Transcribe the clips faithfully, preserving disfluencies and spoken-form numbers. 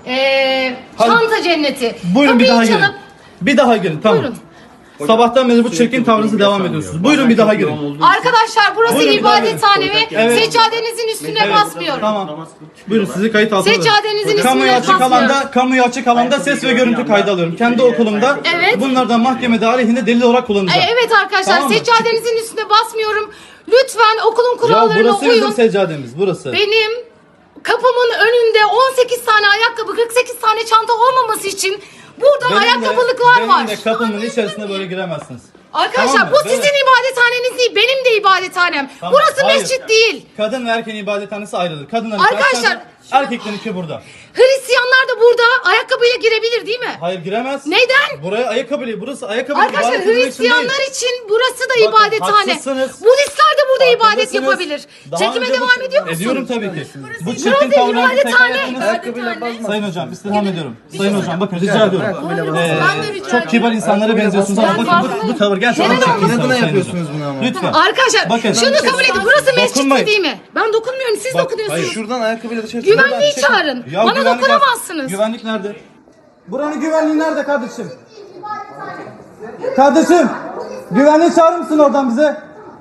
Ee, Hadi. çanta cenneti. Buyurun bir Kapıyı daha girin. çalıp- Bir daha girin tamam. Buyurun. Sabahtan beri bu çirkin tavrınızı devam ediyorsunuz. Buyurun bir daha girin. Arkadaşlar burası Buyurun, bir daha ibadethane ve Evet. seccadenizin üstüne Evet, basmıyorum. Tamam. Buyurun sizi kayıt altına alıyorum. Seccadenizin Kamuya üstüne açık basmıyorum. alanda, kamuya açık alanda ses ve görüntü kaydı alıyorum. Kendi okulumda Evet. bunlardan mahkemede aleyhinde delil olarak kullanacağım. Ee, evet arkadaşlar Tamam mı? seccadenizin üstüne basmıyorum. Lütfen okulun Ya kurallarına burası uyun. bizim seccademiz burası. Benim kapımın önünde on sekiz tane ayakkabı, kırk sekiz tane çanta olmaması için burada Benim de- ayakkabılıklar benim var. de kapımın içerisine böyle giremezsiniz. Arkadaşlar Tamam mı? bu sizin Böyle- ibadethaneniz değil, benim de ibadethanem. Tamam, Burası hayır. mescit değil. Kadın ve erkeğin ibadethanesi ayrıdır. Kadınların Arkadaşlar- içerisi, erkeklerinki burada. Hristiyanlar da burada ayakkabıyla girebilir değil mi? Hayır giremez. Neden? Buraya ayakkabı, burası ayakkabı Arkadaşlar ibadet edilmek için değil. Hristiyanlar için burası da Bakın, ibadethane. haklısınız. Budistler de burada ibadet Farkındasınız. yapabilir. Daha Çekime önce bu- devam ediyor musun? Ediyorum tabii ki. Bu Burası çirkin tavrınızı tekrar ibadethane. ettiniz. Sayın hocam istirham ediyorum. Sayın hocam bakın rica ediyorum. Ee, Ben de rica çok kibar insanlara benziyorsunuz ama Ben bakın farklı- bu, bu tavır gerçekten Neden çirkin olmasın? tavır İnadına Sayın yapıyorsunuz hocam. bunu ama. Lütfen. Arkadaşlar Bakın. şunu kabul edin. Burası mescit Dokunmayın. değil mi? Ben dokunmuyorum. Siz Bak, dokunuyorsunuz. hayır. Şuradan ayakkabıyla dışarı Güvenliği Çekin. çağırın. Ya Bana güvenlik- dokunamazsınız. Güvenlik nerede? Buranın güvenliği nerede kardeşim? Kardeşim, güvenliği çağırır mısın oradan bize?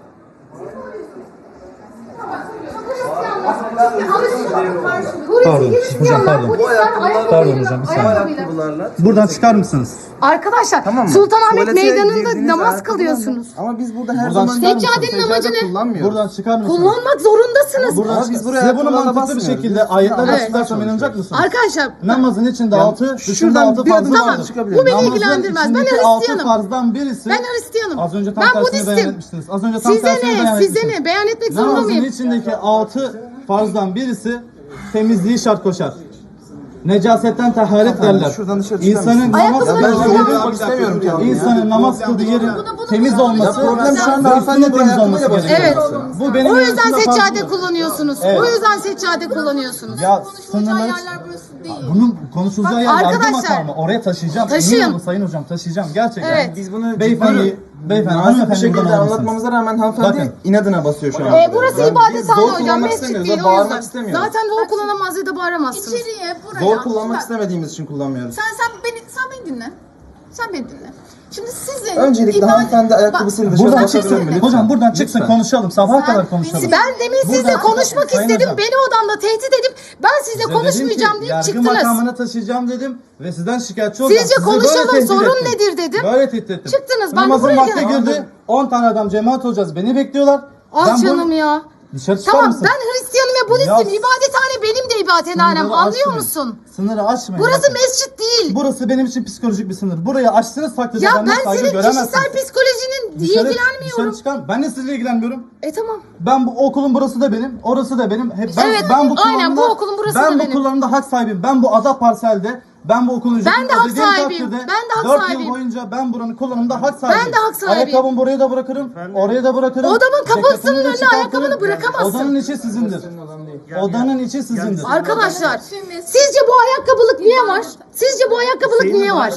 Pardon, hocam pardon. Pardon hocam, bir saniye. ayakkabılarla. Buradan çıkar mısınız? Arkadaşlar Tamam mı? Sultanahmet Tuvalete Meydanı'nda girdiğiniz namaz ayakkabılarla- kılıyorsunuz. Ama biz burada her Buradan zaman çıkar mısınız? Seccadenin amacı ne? kullanmıyoruz. Buradan çıkar mısınız? Kullanmak zorundasınız. Buradan Ama çıkar. biz buraya Size bunu ayakkabılarla mantıklı bir basmıyoruz. şekilde Biz- ayetlerle Evet. açıklarsam inanacak mısınız? Arkadaşlar Namazın içinde altı, dışında şuradan altı bir farzı adım vardır. daha çıkabilirim. Bu beni Namazın ilgilendirmez. Ben içindeki altı Hristiyanım. farzdan birisi. ben Hristiyanım. Az önce tam ben tersini Budistim. beyan etmiştiniz. Az önce tam Size tersini beyan ne? Size etmiştiniz. ne? Beyan etmek zorunda Namazın mıyım? içindeki altı farzdan birisi temizliği şart koşar. Necasetten taharet derler. şuradan dışarı çıkar İnsanın mısın? namaz Ayakkabılarını kıldığı giyer yerin, misin? İstemiyorum ki abi. insanın namaz kıldığı yerin temiz olması, Ya problem şu anda ve hanımefendi üstünün bu temiz ayakkabıyla olması basıyor. gerekiyor. Evet. Bu benim O yüzden arasında seccade farklı. kullanıyorsunuz. Evet. O yüzden seccade kullanıyorsunuz. Ya sınırları... Bunun konuşulacağı yer yargı arkadaşlar, makamı. Oraya taşıyacağım. taşıyın. Emin olun sayın hocam taşıyacağım. Gerçekten. Evet. Biz bunu Beyefendi, beyefendi, nazik bir hanımefendi şekilde buradan alır mısınız? anlatmamıza rağmen hanımefendi Bakın. inadına basıyor şu an. Ee, burası Yani biz ibadethane zor hocam. kullanmak Mescit istemiyoruz, değil o bağırmak yüzden. istemiyoruz. Zaten zor kullanamaz ya da bağıramazsınız. İçeriye, buraya. Zor kullanmak Bak, istemediğimiz için kullanmıyoruz. Sen sen beni sen beni dinle. Sen beni dinle. Şimdi sizin Öncelikle ibadet- hanımefendi ayakkabısıyla dışarı Buradan basabilir çıksın. mi? Lütfen. Hocam buradan çıksın Lütfen. konuşalım. Sabaha kadar Sen- konuşalım. Ben demin sizle Buradan- konuşmak Sayın istedim. hocam. Beni odamda tehdit edip ben sizle Size konuşmayacağım dedim ki, deyip yargı çıktınız. makamına taşıyacağım dedim ve sizden şikayetçi olacağım. Sizce Sizi böyle konuşalım, tehdit sorun ettim. nedir dedim. Böyle tehdit ettim. Çıktınız, ben de Namazın buraya vakti geldim. girdi. on tane adam cemaat olacağız. Beni bekliyorlar. Ah Ben bu- canım ya. Dışarı çıkar Tamam mısın? ben Hristiyanım ve Budistim. Ya- İbadethane benim de ibadethanem. Sınırları Anlıyor aşmayın. musun? Sınırı aşmayın. Burası Bakın. mescit değil. Burası benim için psikolojik bir sınır. Burayı aştığınız takdirde Ya benden ben saygı senin göremezsiniz. kişisel psikolojinin Dışarı- ilgilenmiyorum. Dışarı çıkar. Ben de sizinle ilgilenmiyorum. E tamam. Ben bu okulun burası da benim, orası da benim. Hep ben, Evet, ben bu aynen, bu kullanımda- okulun burası ben da bu benim. kullanımda hak sahibiyim. Ben bu ada parselde, ben bu okulun ücretini Ben de hak ödediğim sahibiyim. takdirde Ben de hak dört sahibiyim. yıl boyunca ben buranın kullanımında hak sahibiyim. de hak sahibiyim. Ayakkabımı buraya da bırakırım, oraya da bırakırım. Odamın kapısının Ceketimi de önüne çıkartırım. ayakkabını bırakamazsın. Odanın içi sizindir. Odanın içi sizindir. Arkadaşlar sizce bu ayakkabılık niye var? Sizce bu ayakkabılık niye var?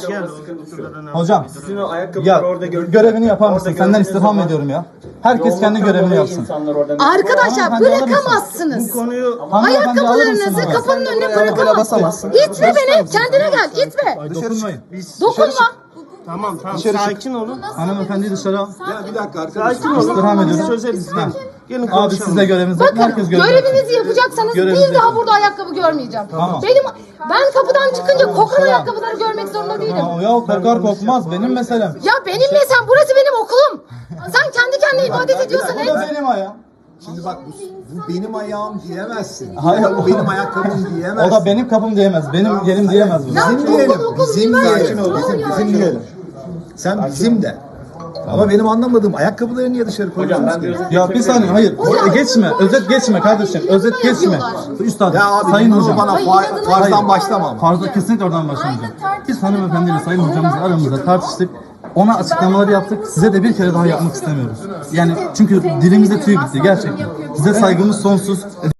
Hocam, Sizin o ayakkabıları ya orada gördük. görevini yapar mısın? Orada Senden gördüğünüz istirham zaman ediyorum ya. Herkes kendi yoğunluktan görevini dolayı yapsın. insanlar orada- Arkadaşlar Hanımefendi, alır bırakamazsınız. Bu konuyu Hanımefendi, alır mısın Ayakkabılarınızı onu? kapının önüne ayakkabıyla bırakamazsınız. basamazsın. İtme beni. Kendine gel. İtme. Ay, dokunmayın. Dokunma. tamam tamam Dışarı çık. sakin olun. Hanımefendi dışarı al. Bir dakika Sakin olun. İstirham Biz ediyorum. çözeriz. Ha. Gelin Abi konuşalım. siz de görevinizi yapın. Bakın Herkes görevini yapsın. görevinizi yapacaksanız Görevinizi bir daha yapın. burada ayakkabı görmeyeceğim. Tamam. Benim ben kapıdan çıkınca kokan ayakkabıları görmek zorunda değilim. Ya, ya kokar kokmaz benim meselem. Ya benim mesela burası benim okulum. Sen kendi kendine ibadet ediyorsan Bu et. da benim ayağım. Şimdi bak bu, bu benim ayağım diyemezsin. Hayır. Bu benim ayakkabım O diyemezsin. da benim kapım diyemez. Benim yerim diyemez bunu. Ya Bizim okul, diyelim. okul, Bizim üniversite. diyelim. Tamam Bizim, ya. bizim diyelim. Sen bizim de. Ama benim anlamadığım ayakkabıları niye dışarı koyuyorsunuz ki? Ya bir saniye hayır. Hocam, Geçme. Özet geçme kardeşim. Özet İnadına geçme. yapıyorlar. Üstad. Ya abi sayın bunu hocam. bana Hayır, fa- inadına farzdan yapıyorlar. başlama ama. Fazla kesinlikle oradan başlamayacağım. Aynen, tartışma Biz hanımefendiyle sayın yapan hocamızla var. aramızda tartıştık. Ona açıklamalar yaptık. Size de bir kere daha yapmak istemiyoruz. Yani çünkü dilimize tüy bitti gerçekten. Size saygımız sonsuz.